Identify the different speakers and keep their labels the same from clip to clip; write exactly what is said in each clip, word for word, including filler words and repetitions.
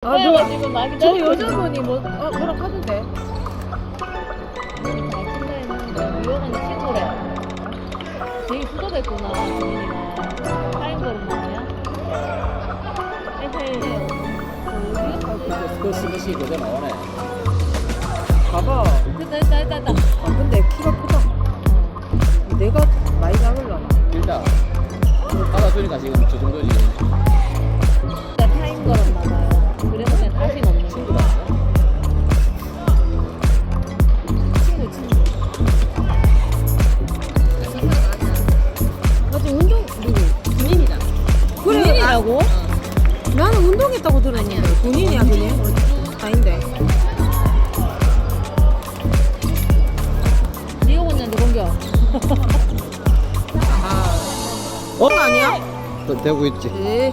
Speaker 1: 아,
Speaker 2: 내가
Speaker 1: 너,
Speaker 2: 지금 나
Speaker 1: 저
Speaker 2: 기다리고
Speaker 1: 여자분이 뭐, 어, 뭐라 하던데?
Speaker 2: 있는데 다 친다 했는데 유영은 친구래. 되게 수도됐구나 주민이가. 타임 걸음 아니야? 에헤이.
Speaker 3: 그 스시 그거 나오네.
Speaker 1: 봐봐.
Speaker 2: 됐다 됐다 됐다 됐다.
Speaker 1: 아, 근데 키가 크다. 내가 많이 작을라나?
Speaker 3: 일단 받아주니까 지금 저 정도지.
Speaker 2: 진짜 타임 걸었나 봐요. 그래서 그냥 다시 넣는
Speaker 3: 친구다.
Speaker 2: 친구 친구.
Speaker 1: 아직 운동, 누구?
Speaker 2: 군인이다.
Speaker 1: 그래,
Speaker 2: 군인이라고?
Speaker 1: 아, 나는 운동했다고 들었는데. 군인이야, 군인? 아닌데.
Speaker 2: 네가 혼자인데 공격.
Speaker 1: 어? 아니야?
Speaker 3: 또 되고 있지.
Speaker 1: 에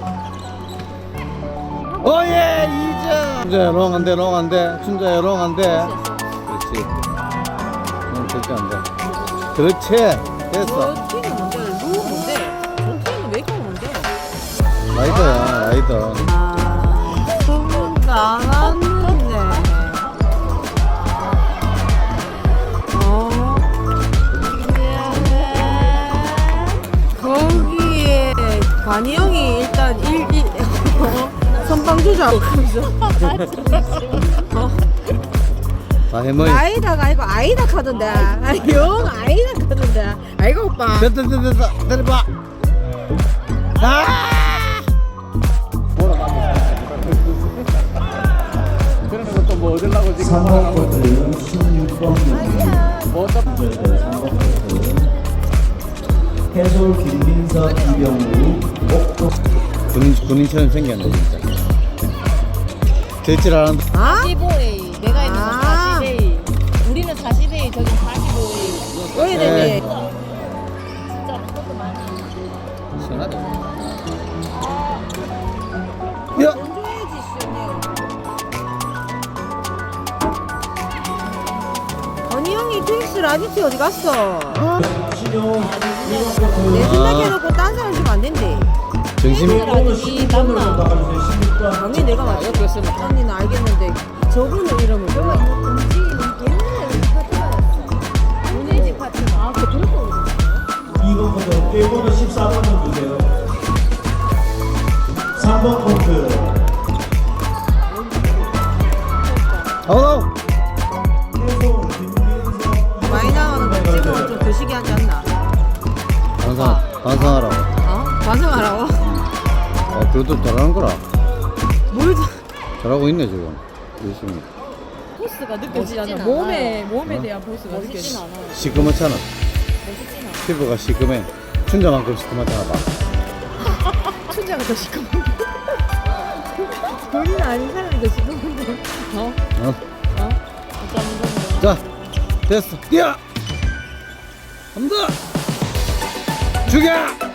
Speaker 3: 오예 이점. 춘자야 롱 안돼 롱 안돼. 춘자야 롱 안돼. 그렇지. 응 절대 안돼. 그렇지. 됐어.
Speaker 1: 저 팀은 뭔데? 루 뭔데? 저 팀은 왜 이렇게 뭔데?
Speaker 3: 라이더야 라이더.
Speaker 1: 아, 그건 안 왔는데. 어? 거기에 관이 형이 일단 일, 일, 어? 선방주자 하면서. 어?
Speaker 3: 다 해머이.
Speaker 1: 아이다가 아니고 아이다 카던데. 아, 영 아이다 카던데. 아이고, 오빠.
Speaker 3: 됐다 됐다 됐다. 내려봐. 아! 그러면 또 뭐 얻으려고 지금
Speaker 4: 삼 번 코트 십육 번
Speaker 3: 뭐 어쩌
Speaker 4: 삼 번 코트 해솔 김민서 이병우 옥도
Speaker 3: 군인 군인처럼 생겼네 진짜. 될줄 알았는데.
Speaker 1: 아?
Speaker 2: 사십오 에이. 내가 있는 건
Speaker 1: 아.
Speaker 2: 사십 에이. 우리는 사십 에이, 저긴 사십오 에이.
Speaker 1: 왜 이래?
Speaker 2: 진짜 그것도 많이.
Speaker 3: 시원하다. 야.
Speaker 1: 건조해야지, 시원해. 아니, 형이 트윅스 라디티 어디 갔어?
Speaker 4: 신용
Speaker 1: 내
Speaker 4: 이번 코트
Speaker 1: 생각해놓고 딴 사람 주면 안 된대.
Speaker 3: 정신이
Speaker 4: 오늘 십육 번으로 나가주세요. 십육 번
Speaker 1: 당연히 내가 맞아.
Speaker 3: 그랬으면
Speaker 1: 언니는 알겠는데 저분은 이름을 몰라.
Speaker 2: 문예지 파트가. 아, 그 그런 거
Speaker 4: 이번 코트 일번은 십사 번을 주세요. 삼 번 코트
Speaker 3: 아우.
Speaker 4: 해솔 김민서
Speaker 1: 많이 나오는 거 찍으면 좀 드시게 하지 않나?
Speaker 3: 반성 반성하라고.
Speaker 1: 어? 반성하라고?
Speaker 3: 아 그래도 잘하는 거라.
Speaker 1: 뭘 자-
Speaker 3: 잘하고 있네 지금 열심히.
Speaker 1: 포스가
Speaker 2: 느껴지지 않아.
Speaker 1: 몸에
Speaker 2: 않아요.
Speaker 1: 몸에
Speaker 3: 어?
Speaker 1: 대한 포스가
Speaker 2: 멋있진
Speaker 1: 느껴지.
Speaker 2: 않아.
Speaker 3: 시커멓잖아.
Speaker 2: 멋있진 않아.
Speaker 3: 피부가 시커매. 춘자만큼 시커멓잖아 봐.
Speaker 1: 춘자가 더 시커먼. 본인 아닌 사람이 더 시커먼데. 어?
Speaker 3: 어?
Speaker 1: 어?
Speaker 2: 어쩌면
Speaker 3: 자 됐어. 뛰어. 한번 더. 죽여.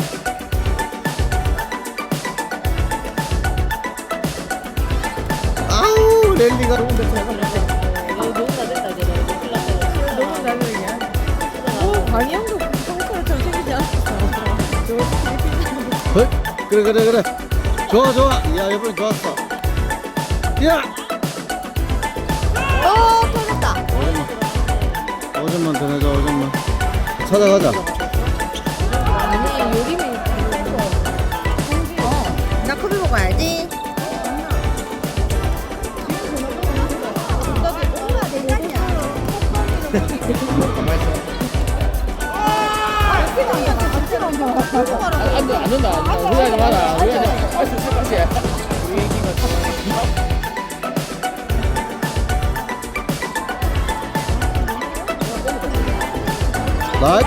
Speaker 3: 아우 랠리가 좋은데 잘
Speaker 2: 이거 너무 다 됐다, 이제. 큰일 났다.
Speaker 1: 너무 나중이야. 오, 광희 형도 평소처럼 생기지 않았어. 저거
Speaker 3: 헐? 그래 그래 그래 좋아 좋아 야 이번엔 좋았어 야
Speaker 1: 어, 터졌다.
Speaker 3: 오점만 더 내자 오점만 찾아가자
Speaker 1: 아니, 요리미. 어, 나 커피 먹어야지.
Speaker 3: 안돼 안 된다 우리하지 마라 우리하지 할수 있을 것 같아 우리 얘기가 나이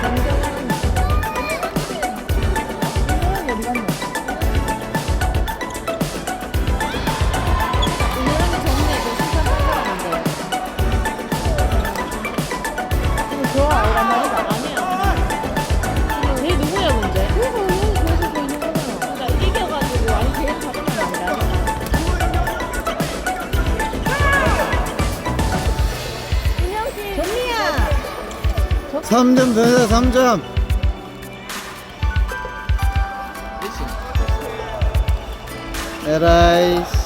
Speaker 2: 걔 누구야, 문제? 그러니까 이겨가지고 아니 걔 잡은 게 아니라.
Speaker 1: 정미야.
Speaker 3: 삼 점 더 내자 삼 점 에라이